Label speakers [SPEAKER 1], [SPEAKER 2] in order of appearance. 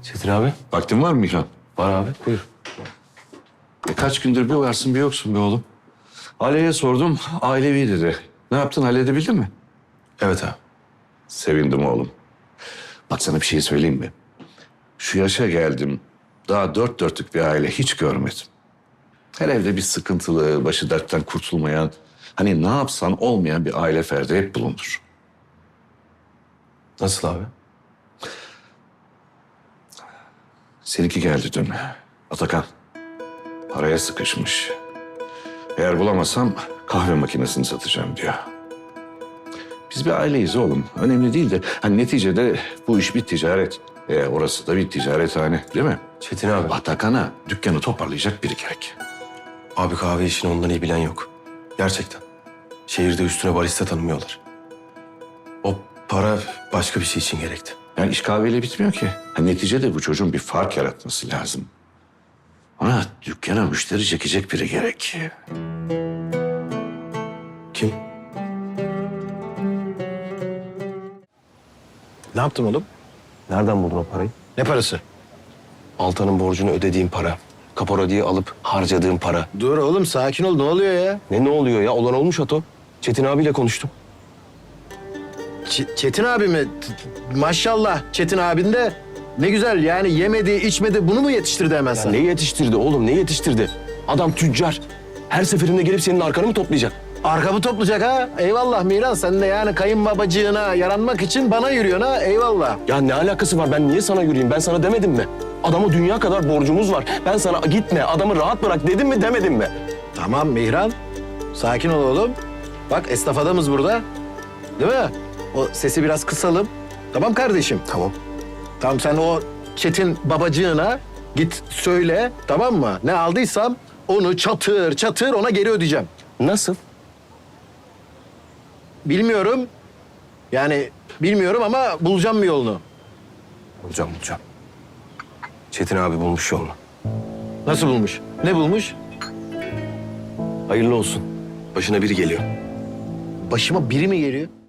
[SPEAKER 1] Çetin abi.
[SPEAKER 2] Vaktin var mı Mihran?
[SPEAKER 1] Var abi, buyur.
[SPEAKER 2] Kaç gündür bir varsın bir yoksun be oğlum. Aile'ye sordum, ailevi dedi. Ne yaptın, halledebildin mi?
[SPEAKER 1] Evet abi.
[SPEAKER 2] Sevindim oğlum. Bak sana bir şey söyleyeyim mi? Şu yaşa geldim, daha dört dörtlük bir aile hiç görmedim. Her evde bir sıkıntılı, başı dertten kurtulmayan, hani ne yapsan olmayan bir aile ferdi hep bulunur.
[SPEAKER 1] Nasıl abi?
[SPEAKER 2] Seninki geldi dün. Atakan. Paraya sıkışmış. Eğer bulamazsam kahve makinesini satacağım diyor. Biz bir aileyiz oğlum. Önemli değil de hani neticede bu iş bir ticaret. Orası da bir ticarethane değil mi?
[SPEAKER 1] Çetin abi.
[SPEAKER 2] Atakan'a dükkanı toparlayacak biri gerek.
[SPEAKER 1] Abi kahve işini ondan iyi bilen yok. Gerçekten. Şehirde üstüne barista tanımıyorlar. O para başka bir şey için gerekti.
[SPEAKER 2] Yani iş kahveyle bitmiyor ki. Neticede bu çocuğun bir fark yaratması lazım. Ona dükkana müşteri çekecek biri gerek.
[SPEAKER 1] Kim?
[SPEAKER 3] Ne yaptın oğlum?
[SPEAKER 1] Nereden buldun o parayı?
[SPEAKER 3] Ne parası?
[SPEAKER 1] Altan'ın borcunu ödediğim para. Kapora diye alıp harcadığım para.
[SPEAKER 3] Dur oğlum sakin ol. Ne oluyor ya?
[SPEAKER 1] Ne oluyor ya? Olan olmuş Ato. Çetin abiyle konuştum.
[SPEAKER 3] Çetin abi mi? Maşallah Çetin abin de ne güzel yani yemedi içmedi bunu mu yetiştirdi hemen
[SPEAKER 1] Ya
[SPEAKER 3] sana?
[SPEAKER 1] ne yetiştirdi oğlum? Ne yetiştirdi? Adam tüccar. Her seferinde gelip senin arkanı mı toplayacak?
[SPEAKER 3] Arkamı toplayacak ha? Eyvallah Miran sen de yani kayınbabacığına yaranmak için bana yürüyorsun ha? Eyvallah.
[SPEAKER 1] Ya ne alakası var? Ben niye sana yürüyeyim? Ben sana demedim mi? Adama dünya kadar borcumuz var. Ben sana gitme, adamı rahat bırak dedim mi demedim mi?
[SPEAKER 3] Tamam Mihran. Sakin ol oğlum. Bak esnaf adamız burada. Değil mi? O sesi biraz kısalım. Tamam kardeşim.
[SPEAKER 1] Tamam.
[SPEAKER 3] Tamam sen o Çetin babacığına git söyle tamam mı? Ne aldıysam onu çatır çatır ona geri ödeyeceğim.
[SPEAKER 1] Nasıl?
[SPEAKER 3] Bilmiyorum. Yani bilmiyorum ama bulacağım bir yolunu.
[SPEAKER 1] Bulacağım. Çetin abi bulmuş yolunu.
[SPEAKER 3] Nasıl bulmuş? Ne bulmuş?
[SPEAKER 1] Hayırlı olsun. Başına biri geliyor.
[SPEAKER 3] Başıma biri mi geliyor?